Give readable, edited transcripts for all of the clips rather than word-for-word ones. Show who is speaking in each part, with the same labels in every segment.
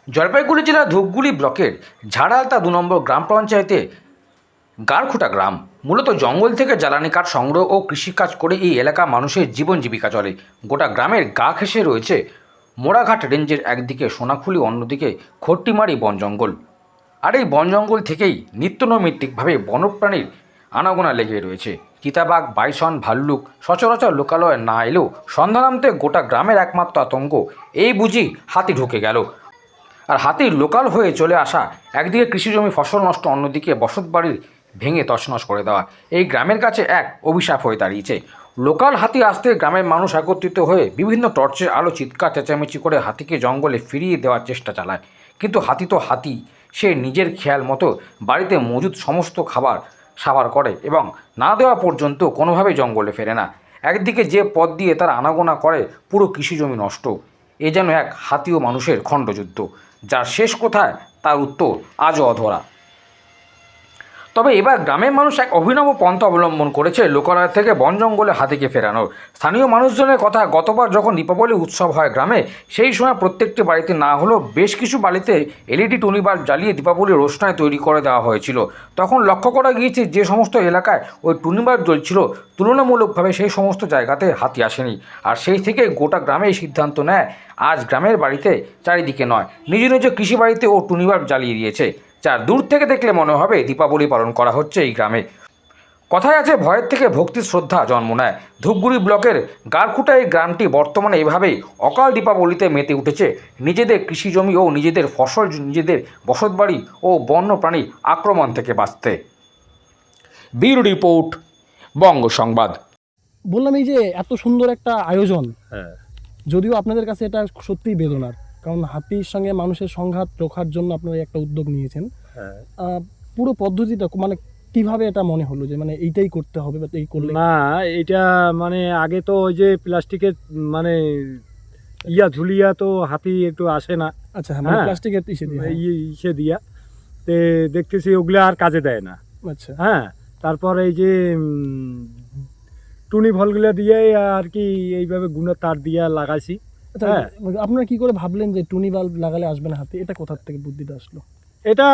Speaker 1: জলপাইগুড়ি জেলার ধূপগুড়ি ব্লকের ঝাড়ালতা ২ নম্বর গ্রাম পঞ্চায়েতে গারখুটা গ্রাম মূলত জঙ্গল থেকে জ্বালানি কাঠ সংগ্রহ ও কৃষিকাজ করে এই এলাকা মানুষের জীবন জীবিকা চলে। গোটা গ্রামের গা ঘেঁষে রয়েছে মোড়াঘাট রেঞ্জের একদিকে সোনাখুলি, অন্যদিকে খট্টিমারি বন জঙ্গল। আর এই বন জঙ্গল থেকেই নিত্যনৈমিত্তিকভাবে বন্যপ্রাণীর আনাগোনা লেগে রয়েছে। চিতাবাঘ, বাইসন, ভাল্লুক সচরাচর লোকালয়ে না এলেও সন্ধ্যানামতে গোটা গ্রামের একমাত্র আতঙ্ক এই বুঝি হাতি ঢুকে গেল। আর হাতির লোকাল হয়ে চলে আসা একদিকে কৃষিজমি ফসল নষ্ট, অন্যদিকে বসতবাড়ির ভেঙে তছনছ করে দেওয়া এই গ্রামের কাছে এক অভিশাপ হয়ে দাঁড়িয়েছে। লোকাল হাতি আসতে গ্রামের মানুষ একত্রিত হয়ে বিভিন্ন টর্চের আলো চিৎকার চেঁচামেচি করে হাতিকে জঙ্গলে ফিরিয়ে দেওয়ার চেষ্টা চালায়। কিন্তু হাতি তো হাতি, সে নিজের খেয়াল মতো বাড়িতে মজুদ সমস্ত খাবার সাবার করে এবং না দেওয়া পর্যন্ত কোনোভাবেই জঙ্গলে ফেরে না। একদিকে যে পথ দিয়ে তারা আনাগোনা করে পুরো কৃষিজমি নষ্ট। এ যেন এক হাতি ও মানুষের খণ্ডযুদ্ধ, যার শেষ কোথায় তার উত্তর আজও অধরা। তবে এবার গ্রামের মানুষ এক অভিনব পন্থা অবলম্বন করেছে লোকালয় থেকে বন জঙ্গলে হাতিকে ফেরানোর। স্থানীয় মানুষজনের কথা, গতবার যখন দীপাবলি উৎসব হয় গ্রামে, সেই সময় প্রত্যেকটি বাড়িতে না হলেও বেশ কিছু বাড়িতে এলইডি টুনি বাল্ব জ্বালিয়ে দীপাবলির রোশনাই তৈরি করে দেওয়া হয়েছিল। তখন লক্ষ্য করা গিয়েছে যে সমস্ত এলাকায় ওই টুনি বাল্ব জ্বলছিল তুলনামূলকভাবে সেই সমস্ত জায়গাতে হাতি আসেনি। আর সেই থেকে গোটা গ্রামে এই সিদ্ধান্ত নেয় আজ গ্রামের বাড়িতে চারিদিকে নয়, নিজ নিজ কৃষি বাড়িতে ও টুনি বাল্ব জ্বালিয়ে দিয়েছে, যা দূর থেকে দেখলে মনে হবে দীপাবলি পালন করা হচ্ছে এই গ্রামে। কথায় আছে, ভয়ের থেকে ভক্তির শ্রদ্ধা জন্ম নেয়। ধূপগুড়ি ব্লকের গারখুটা এই গ্রামটি বর্তমানে এভাবেই অকাল দীপাবলিতে মেতে উঠেছে নিজেদের কৃষিজমি ও নিজেদের ফসল, নিজেদের বসতবাড়ি ও বন্য প্রাণীর আক্রমণ থেকে বাঁচতে। ব্যুরো রিপোর্ট, বঙ্গ সংবাদ।
Speaker 2: বললাম এই যে এত সুন্দর একটা আয়োজন,
Speaker 3: হ্যাঁ
Speaker 2: যদিও আপনাদের কাছে এটা সত্যিই বেদনার, কারণ হাতির সঙ্গে মানুষের সংঘাত রোখার জন্য আপনারা একটা উদ্যোগ নিয়েছেন।
Speaker 3: হ্যাঁ
Speaker 2: পুরো পদ্ধতিটা মানে কিভাবে এটা মনে হলো যে মানে এইটাই করতে হবে বা এই করলে?
Speaker 3: না, এটা মানে আগে তো ওই যে প্লাস্টিকের মানে ঝুলিয়া তো হাতি একটু আসে না।
Speaker 2: আচ্ছা, হ্যাঁ, মানে
Speaker 3: হ্যাঁ।
Speaker 2: প্লাস্টিকের ইসে দিয়ে, হ্যাঁ।
Speaker 3: ইসে দিয়া তে দেখতেছি ওগুলো আর কাজে দেয় না।
Speaker 2: আচ্ছা,
Speaker 3: হ্যাঁ, তারপর এই যে টুনি ভলগুলো দিয়ে আর কি এইভাবে গুণের তার দিয়া লাগাইছি।
Speaker 2: আচ্ছা,
Speaker 3: হ্যাঁ,
Speaker 2: আপনারা কি করে ভাবলেন যে টুনি বাল্ব লাগালে আসবে না হাতি? এটা কোথার থেকে বুদ্ধিটা আসলো?
Speaker 3: এটা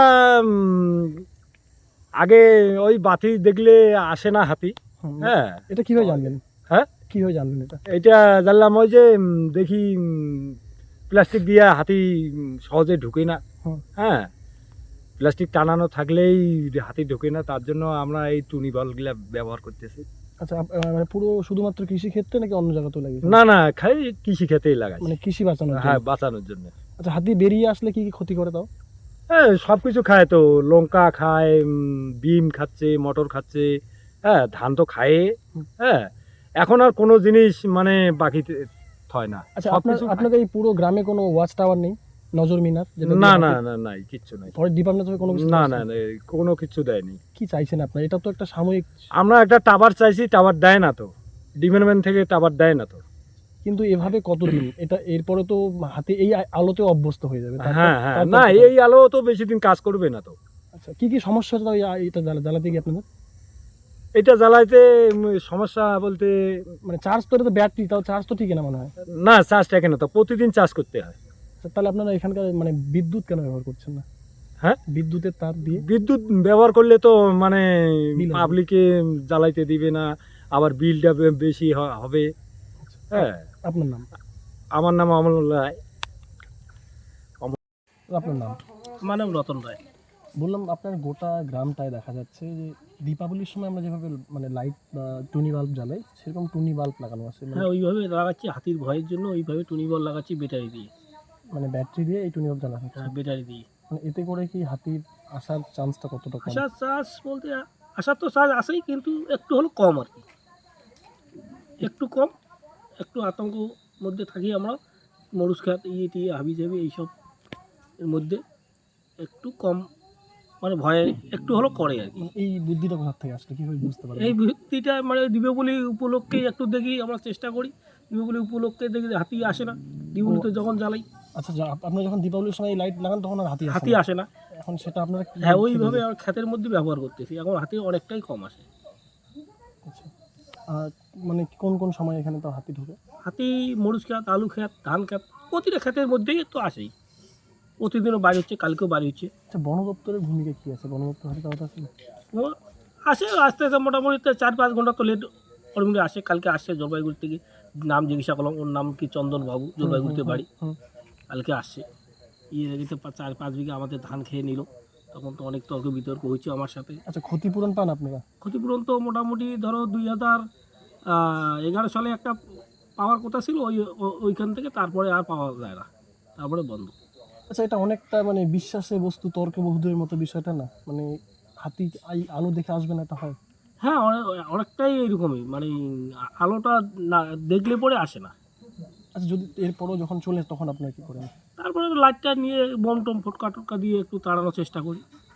Speaker 3: আগে ওই বাতি দেখলে আসে না হাতি।
Speaker 2: হুম,
Speaker 3: হ্যাঁ।
Speaker 2: এটা কিভাবে জানলেন?
Speaker 3: হ্যাঁ,
Speaker 2: কিভাবে জানলেন এটা?
Speaker 3: এটা জানলাম ওই যে দেখি প্লাস্টিক দিয়ে হাতি সহজে ঢুকে না।
Speaker 2: হুম।
Speaker 3: হ্যাঁ, প্লাস্টিক টানানো থাকলেই হাতি ঢোকে না, তার জন্য আমরা এই টুনি বলগুলা ব্যবহার করতেছি।
Speaker 2: আচ্ছা, মানে পুরো শুধুমাত্র কৃষি ক্ষেত্রে নাকি অন্য জায়গাতেও লাগিয়েছেন?
Speaker 3: না না, খাই কৃষি খেতেই লাগাই,
Speaker 2: মানে কৃষি বাঁচানোর জন্য?
Speaker 3: হ্যাঁ, বাঁচানোর জন্য।
Speaker 2: আচ্ছা, হাতি বেরিয়ে আসলে কি কি ক্ষতি করে তাও?
Speaker 3: হ্যাঁ, সব কিছু খায় তো, লঙ্কা খায়, বিম খাচ্ছে, মটর খাচ্ছে, হ্যাঁ, ধান তো খায়।
Speaker 2: হুম।
Speaker 3: হ্যাঁ, এখন আর কোনো জিনিস মানে বাকি হয় না।
Speaker 2: আচ্ছা,
Speaker 3: সব কিছু
Speaker 2: আপনাদের এই পুরো গ্রামে কোনো ওয়াচ টাওয়ার নেই, নজর মিনার, যেটা
Speaker 3: না
Speaker 2: দিয়ে
Speaker 3: না
Speaker 2: হাতি-
Speaker 3: না নাই, কিচ্ছু নাই।
Speaker 2: পরে ডিপার্টমেন্ট থেকে কোনো কিছু
Speaker 3: না
Speaker 2: চাইছেন?
Speaker 3: না না, কোনো কিছু দেয়নি।
Speaker 2: কি চাইছেন আপনারা? এটা তো একটা সাময়িক,
Speaker 3: আমরা একটা টাওয়ার চাইছি, টাওয়ার দেয় না তো, ডিপার্টমেন্ট থেকে টাওয়ার দেয় না তো।
Speaker 2: কিন্তু এভাবে কতদিন? এটা এরপরে তো হাতি এই আলোতে অভ্যস্ত হয়ে যাবে।
Speaker 3: হ্যাঁ হ্যাঁ,
Speaker 2: তারপর
Speaker 3: না,
Speaker 2: কোথায়?
Speaker 3: এই আলো তো বেশি দিন কাজ করবে না তো।
Speaker 2: আচ্ছা, কি কি সমস্যা হচ্ছে তাও এটা জ্বালাতে গিয়ে আপনাদের?
Speaker 3: এটা জ্বালাইতে সমস্যা বলতে,
Speaker 2: মানে চার্জ তো, এটা তো ব্যাটারি, তাও চার্জ তো ঠিক না মনে হয়।
Speaker 3: না, চার্জ থাকে না তো, প্রতিদিন চার্জ করতে হয়।
Speaker 2: আচ্ছা, তাহলে আপনারা এখানকার মানে বিদ্যুৎ কেন ব্যবহার করছেন না?
Speaker 3: হ্যাঁ,
Speaker 2: বিদ্যুতের তার দিয়ে
Speaker 3: বিদ্যুৎ ব্যবহার করলে তো মানে
Speaker 2: বিল হবে।
Speaker 3: পাবলিকে জ্বালাইতে দিবে না, আবার বিলটা বেশি হবে। হ্যাঁ,
Speaker 2: আপনার নাম?
Speaker 3: আমার নাম অমরুল্লাহ রায়।
Speaker 2: আপনার নাম?
Speaker 4: মানব রতন রায়।
Speaker 2: বললাম, আপনার গোটা গ্রামটায় দেখা যাচ্ছে যে দীপাবলির সময় আমরা যেভাবে মানে লাইট বা টুনি বাল্ব জ্বালাই, সেরকম টুনি বাল্ব লাগানো আছে। মানে
Speaker 4: হ্যাঁ, ওইভাবে লাগাচ্ছি, হাতির ভয়ের জন্য ওইভাবে টুনি বল লাগাচ্ছি ব্যাটারি দিয়ে।
Speaker 2: মানে ব্যাটারি দিয়ে এই টুনি বাল্ব জ্বালানো হচ্ছে।
Speaker 4: হ্যাঁ, ব্যাটারি দিয়ে।
Speaker 2: মানে এতে করে কি হাতির আসার চান্সটা কতটা কম?
Speaker 4: আসার চার্জ বলতে আসার তো চার্জ আসেই, কিন্তু একটু হলো কম আর কি, একটু কম, একটু আতঙ্ক মধ্যে থাকি আমরা। মরুচ খাত টিয়ে হাবি জাবি এইসব এর মধ্যে একটু কম, মানে ভয়ে একটু হলো করে আর কি।
Speaker 2: মানে এই বুদ্ধিটা কোথা থেকে আসলে কিভাবে বুঝতে পারবেন?
Speaker 4: এই ভিত্তিটা মানে দীপাবলি উপলক্ষেই একটু দেখি, আমরা চেষ্টা করি দীপাবলি উপলক্ষে দেখি যে হাতি আসে না দীপাবলিতে যখন জ্বালাই।
Speaker 2: আচ্ছা, আপনারা যখন দীপাবলির সময় লাইট লাগান তখন আর
Speaker 4: হাতি আসে না।
Speaker 2: এখন সেটা আপনারা
Speaker 4: হ্যাঁ, ওইভাবে আর ক্ষেতের মধ্যে ব্যবহার করতেছি, এখন হাতি অনেকটাই কম আসে।
Speaker 2: আচ্ছা, আর মানে কোন কোন সময় এখানে তো হাতি ঢোকে?
Speaker 4: হাতি মরিচ ক্ষেত, আলু ক্ষেত, ধান ক্ষেত, প্রতিটা ক্ষেতের মধ্যেই তো আসেই। প্রতিদিনও বাড়ি হচ্ছে, কালকেও বাড়ি হচ্ছে।
Speaker 2: আচ্ছা, বন দপ্তরের ভূমিকা কী আছে? বন দপ্তর হাতে কথা আছে?
Speaker 4: ও আসে আস্তে আস্তে মোটামুটি 4-5 ঘন্টা তো লেট অলরেডি আসে। কালকে আসছে জলপাইগুড়ি থেকে, নাম জিজ্ঞাসা করলাম, ওর নাম কি চন্দন বাবু, জলপাইগুড়িতে বাড়ি।
Speaker 2: হুম।
Speaker 4: কালকে আসছে, এদিকে 4-5 বিঘা আমাদের ধান খেয়ে নিল। তখন তো অনেক তর্ক বিতর্ক হয়েছে আমার সাথে।
Speaker 2: আচ্ছা, ক্ষতিপূরণ পান আপনারা?
Speaker 4: ক্ষতিপূরণ তো মোটামুটি ধরো 2011 সালে একটা পাওয়ার কথা ছিল, ওইখান থেকে তারপরে আর পাওয়া যায় না, তারপরে বন্ধ।
Speaker 2: আচ্ছা, এটা অনেকটা মানে বিশ্বাসের বস্তু, তর্কে বহুদের মতো বিষয়টা না? মানে হাতি আলো দেখে আসবে না, এটা হয়?
Speaker 4: হ্যাঁ, অনেকটাই এরকমই, মানে আলোটা না দেখলে পরে আসে না।
Speaker 2: আচ্ছা, যদি এরপরও যখন চলে তখন আপনারা কী করেন?
Speaker 4: তারপরে লাইটটা নিয়ে বোম টম ফটকা টটকা দিয়ে একটু তাড়ানোর চেষ্টা করি।